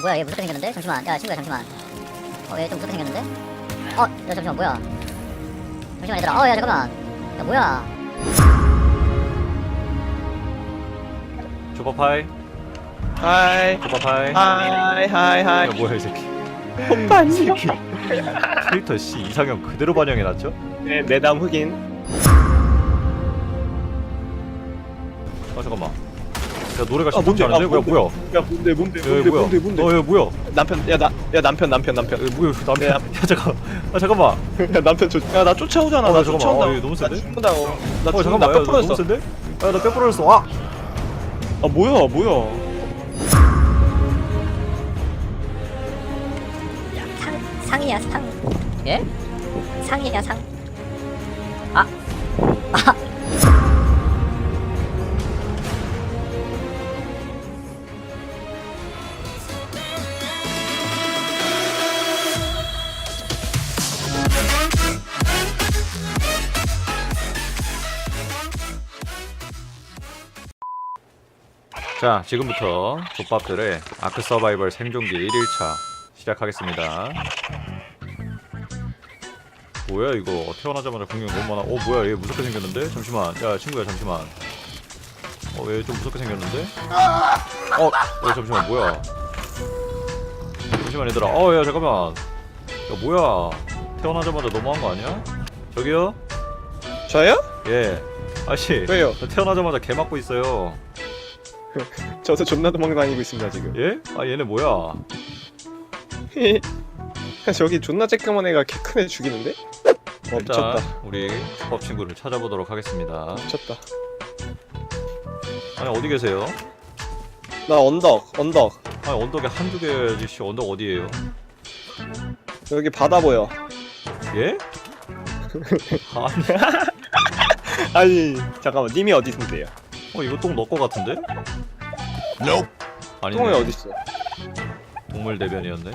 뭐야 얘 무섭게 생겼는데? 잠시만 야 친구야 잠시만 얘 좀 무섭게 생겼는데? 야 잠시만 뭐야 잠시만 얘들아 야 잠깐만 야 뭐야 조밥하이. 하이 조밥하이. 하이 하이 하이. 야 뭐야 이 새끼. 오빠 안녕. 캐릭터 씨 이상형 그대로 반영해놨죠? 네, 내담 흑인. 잠깐만. 야 노래가 뭔데? 심상치 않은데? 뭔데? 뭐야? 야 뭔데 뭔데 야, 뭐야? 뭔데. 야 뭐야? 남편 야 남편 야 뭐야 남편? 야 잠깐. 잠깐만. 야 남편 야나 쫓아오잖아. 나 잠깐만. 쫓아온다. 얘 너무 센데? 나 죽는다고. 나 죽는다. 잠깐만. 뼈 야, 부러졌어. 너무 센데? 야나 뼈 부러졌어. 아! 아 뭐야. 상이야 상 예? 상이야 상 자 지금부터 족밥들의 아크 서바이벌 생존기 1일차 시작하겠습니다. 뭐야 이거 태어나자마자 공격이 너무 많아. 뭐야 얘 무섭게 생겼는데? 잠시만 야 친구야 잠시만. 얘 좀 무섭게 생겼는데? 얘 잠시만 뭐야. 잠시만 얘들아. 야 잠깐만. 야 뭐야 태어나자마자 너무한 거 아니야? 저기요? 저요? 예 아씨 왜요? 저 태어나자마자 개 맞고 있어요. 저도 존나 도망다니고 있습니다 지금. 예? 얘네 뭐야? 저기 존나 쬐끄만 애가 개 큰 애 죽이는데? 일단 미쳤다. 우리 족밥 친구를 찾아보도록 하겠습니다. 미쳤다. 아니 어디 계세요? 나 언덕. 아니 언덕에 한두 개지 씨. 언덕 어디에요? 여기 바다 보여. 예? 아니 아니 잠깐만 님이 어디 있는데요? 이거 똥 너 거 같은데? 아니네. 똥이 어디 있어? 동물 대변이었네.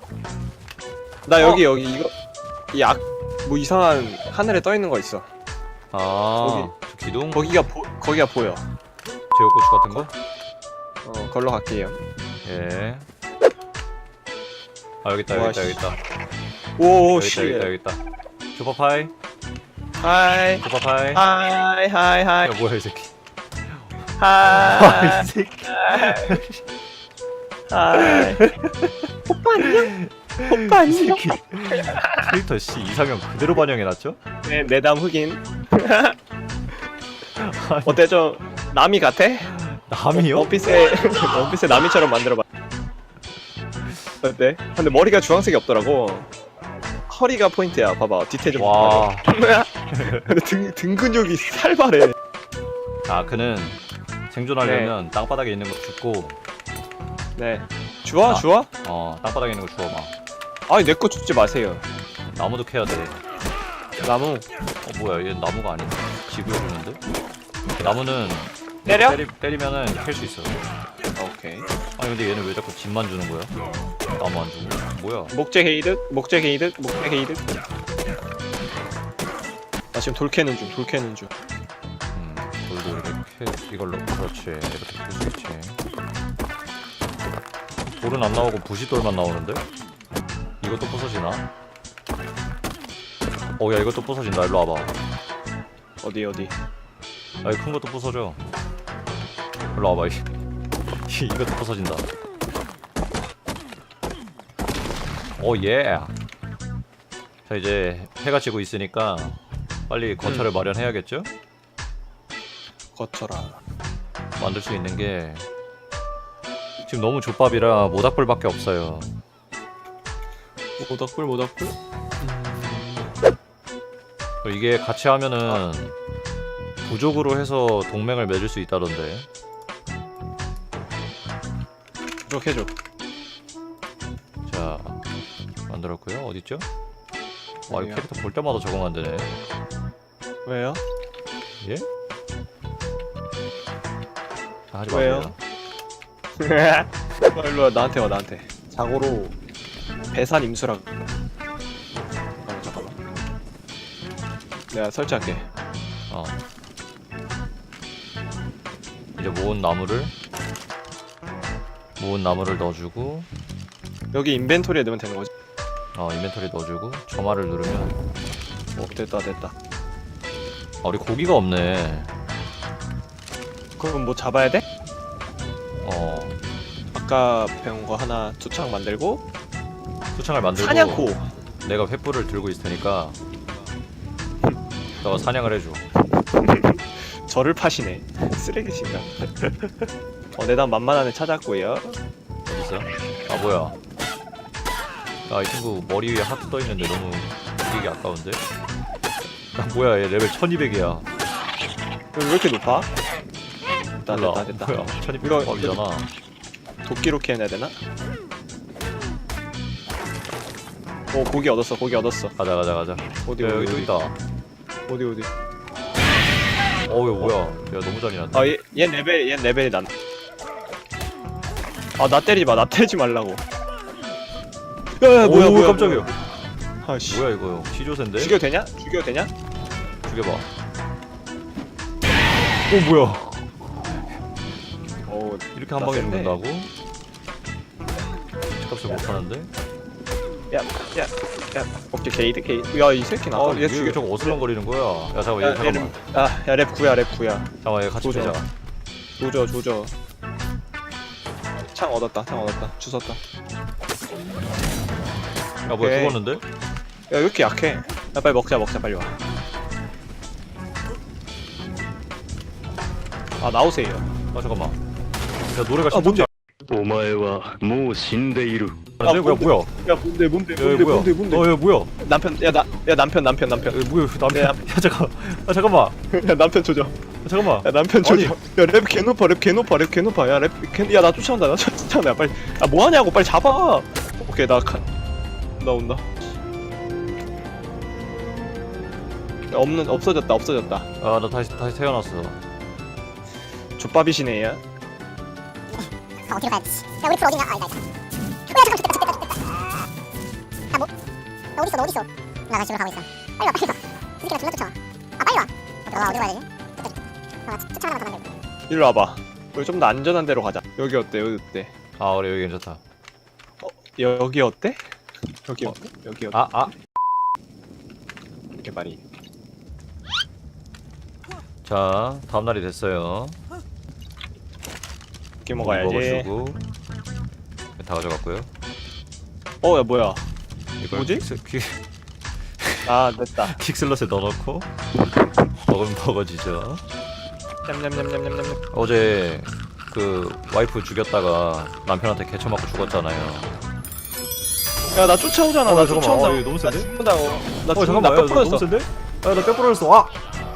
나 여기 이거 뭐 이상한 하늘에 떠 있는 거 있어. 저 기둥? 거기가 보여. 제육고추 같은 거? 걸로 갈게요. 예. 여기 있다 와, 여기 있다. 오 여기 있다 씨. 여기 있다. 조밥하이. 하이 조밥하이. 하이 야 뭐야 이 새끼. 하이 이 새끼. 하이. 오빠 이 안녕. 새끼. 캐릭터 씨 이상형 그대로 반영해놨죠? 네, 내담 흑인. 어때 좀 남이 같아? 남이요? 원피스의 남이처럼 만들어봐. 어때? 근데 머리가 주황색이 없더라고. 허리가 포인트야. 봐봐 디테일 좀. 와. 봐봐. 근데 등 근육이 살벌해. 그는 생존하려면 땅바닥에 있는 거 줍고 네. 주워? 땅바닥에 있는 거 주워 막. 아니 내 거 줍지 마세요. 나무도 캐야 돼. 나무. 뭐야 얘 나무가 아닌데? 지구에 주는데? 나무는 때려? 때리면은 캘 수 있어. 오케이. 아니 근데 얘는 왜 자꾸 집만 주는 거야? 나무 안 주고. 뭐야? 목재 게이득. 나 지금 돌 캐는 중. 돌도 이렇게 이걸로 그렇지 이렇게 캘 수 있지. 돌은 안 나오고 부싯돌만 나오는데? 이것도 부서지나? 야 이것도 부서진다. 일로 와봐. 어디? 이 큰 것도 부서져. 일로 와봐. 이것도 부서진다. 예. 자 이제 해가 지고 있으니까 빨리 거처를 마련해야겠죠? 거쳐라. 만들 수 있는 게 지금 너무 족밥이라 모닥불밖에 없어요. 모닥불. 이게 같이 하면은 부족으로 해서 동맹을 맺을 수 있다던데. 부족해줘. 자 만들었고요. 어딨죠? 이 어디요? 캐릭터 볼 때마다 적응 안 되네. 왜요? 예? 하지 왜요? 마세요. 일로와 나한테. 자고로 배산 임수라고. 잠깐만. 내가 설치할게. 이제 모은 나무를 넣어주고 여기 인벤토리에 넣으면 되는 거지. 인벤토리 넣어주고 점화를 누르면 됐다 됐다. 우리 고기가 없네. 그럼 뭐 잡아야 돼? 어 아까 배운 거 하나 투창 만들고 수창을 만들고 사냥고. 내가 횃불을 들고 있을 테니까 너가 사냥을 해줘. 저를 파시네. 쓰레기신가? 내단 만만한 애 찾았고요. 어딨어? 뭐야? 이 친구 머리 위에 하트 떠 있는데 너무 이게 아까운데? 뭐야 얘 레벨 1200이야. 왜 이렇게 높아? 됐다 몰라. 됐다 됐다. 뭐야 1200 이거- 법이잖아. 도끼로 캐내야 되나? 고기 얻었어 고기 얻었어. 가자 어디 야, 여기 어디 또 있다. 어디 어디. 이거 뭐야? 야 너무 잔인한데? 얘 레벨이 난. 나 때리지 마. 나 때리지 말라고. 야 오, 뭐야 깜짝이야. 아씨. 뭐야 이거 시조새인데? 죽여도 되냐? 죽여도 되냐? 죽여봐. 오 뭐야? 이렇게 한 나 방에 센데? 죽는다고? 값을 못하는데? 야 오케이 게이드. 야 이 새끼 나. 얘 죽여. 저거 어슬렁거리는 거야. 야 잠깐만 얘 잠깐만. 랩 9야 랩 9야. 잠깐만 얘 같이 조져. 빼자. 조져. 창 얻었다. 주웠다. 야 뭐야 오케이. 죽었는데? 야 왜 이렇게 약해? 야 빨리 먹자 빨리 와. 나오세요. 잠깐만. 야 노래가 뭔데? お前はもう死んでいる。 뭐야 뭐야? 야 뭔데 야 뭐야? 남편 남편 야, 뭐야 남편? 내 야 잠깐. 야 잠깐만. 야 남편 조져. 야, 잠깐만. 야 남편 조져. 야랩 개 높아. 야나 쫓아온다. 야 빨리. 뭐 하냐고 빨리 잡아. 오케이 나 온다. 야 없어졌다. 나 다시 태어났어. 족밥이시네 얘. 어디로 가야지? 야 우리 풀 어디냐? 나 있다. 야 잠깐 됐다. 너 어딨어? 나 다시 집으로 가고 있어. 빨리 와. 이 새끼가 존나 쫓아와. 빨리 와. 어디로 가야 되지? 쫓아가는 거더 만들고. 일로 와봐. 우리 좀 더 안전한 데로 가자. 여기 어때? 그래 여기 괜찮다. 여기 어때? 여기 어. 어때? 여기 어때? 이렇게 말이. 자 다음 날이 됐어요. 이렇게 먹어야지. 먹어주고 다 가져갔고요. 야 뭐야? 이걸 뭐지? 됐다. 킥슬럿에 넣어놓고 먹으면 먹어지죠. 냠냠냠냠냠냠. 어제 그 와이프 죽였다가 남편한테 개쳐 맞고 죽었잖아요. 야 나 쫓아오잖아. 나 잠깐만. 쫓아온다. 이거 너무 센데? 나 죽는다고. 나 잠깐만. 나 야, 뼈 너무 부러졌어. 센데? 야나 뼈 부러졌어.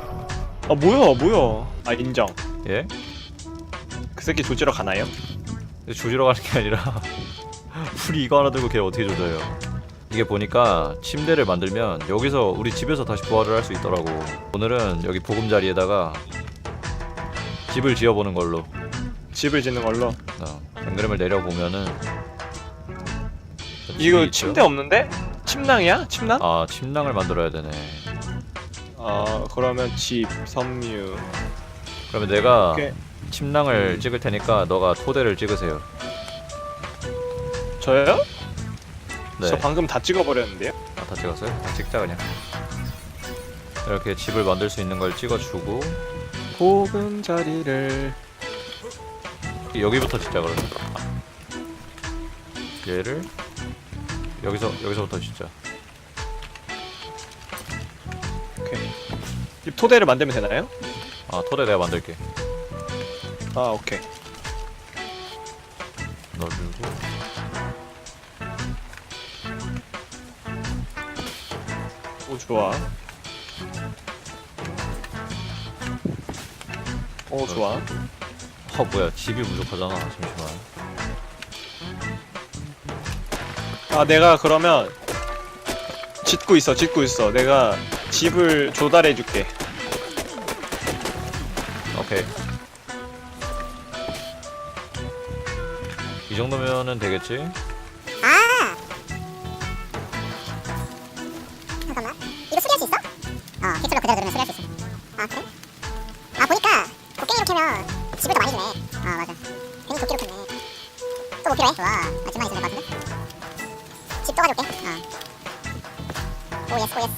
뭐야? 인정. 예? 그 새끼 조지러 가나요? 조지러 가는 게 아니라 풀이 이거 하나 들고 걔 어떻게 조져요? 이게 보니까 침대를 만들면 여기서 우리 집에서 다시 부활을 할 수 있더라고. 오늘은 여기 보금자리에다가 집을 지어보는 걸로. 집을 짓는 걸로. 앵그램을 내려보면은 이거 집이 있죠? 침대 없는데? 침낭이야? 침낭? 침낭을 만들어야 되네. 그러면 집, 섬유. 그러면 내가 오케이. 침낭을 찍을 테니까 너가 토대를 찍으세요. 저요? 네. 저 방금 다 찍어버렸는데요? 다 찍었어요? 다 찍자 그냥. 이렇게 집을 만들 수 있는 걸 찍어주고 보금자리를. 여기부터 짓자 그러면. 얘를 여기서부터 짓자. 오케이. 이 토대를 만들면 되나요? 토대 내가 만들게. 오케이. 넣어주고. 좋아. 좋아. 뭐야 집이 부족하잖아. 잠시만. 내가 그러면 짓고 있어. 내가 집을 조달해줄게. 오케이. 이 정도면은 되겠지? 잠깐만. 이거 수리할 수 있어? 킥슬로 그대로 누르면 수리할 수 있어. 그래? 보니까 곡괭이로 캐면 집을 더 많이 주네. 맞아. 괜히 도끼로 캤네. 또 뭐 필요해? 좋아. 집만 있으면 될 것 같은데? 집 떠가줄게. 오예스 오예스.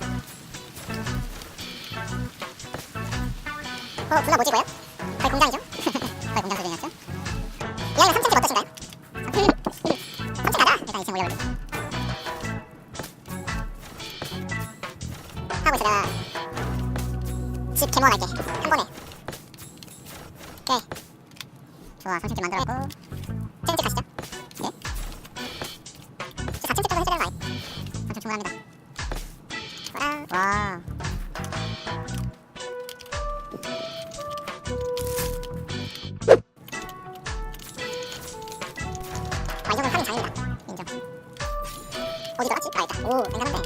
분화 뭐지 이거요? 거의 공장이죠? 거의 공장 수준이었죠? 이 아이는 3층집 어떠신가요? 3층 가자. 일단 2층 올려볼게. 하고 있어. 내가 집 개모할게. 한 번에. 오케이. 좋아. 3층집 만들었고. 7층집 가시죠. 네. 4층집 정도 해줘야 되는 거 아니? 3층 충분합니다. 와. 이 정도는 하긴 장입니다. 인정. 어디 들어갔지? 있다. 오, 괜찮은데.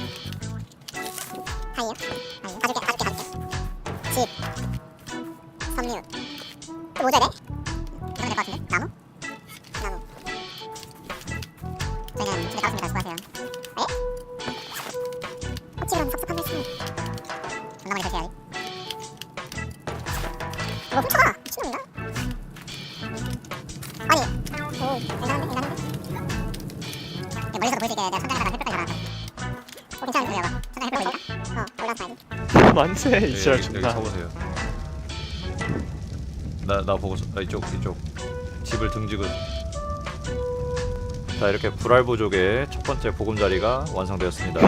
하이요? 하이. 가줄게. 집. 섬유. 또 뭐 줘야 돼? 이러면 될 것 같은데? 나무? 저희는 집에 가봤습니다. 수고하세요. 에? 혹시그럼 섭섭한 말씀. 존나 많이 드세요. 이거 훔쳐가! 미친놈인가? 아니. 오, 괜찮은데? 멀리서 보일 수 있게 내가 천장에다가 햇볕까지 달아놨어. 괜찮은데 여봐. 천장에 햇볕 보이니까? 올라서 봐야지. 만세 이 지랄 여기 존나. 서보세요. 나 보고서 이쪽 집을 등지고. 자 이렇게 불알부족의 첫 번째 보금자리가 완성되었습니다.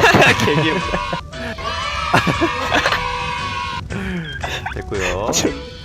개귀엽다. 됐고요.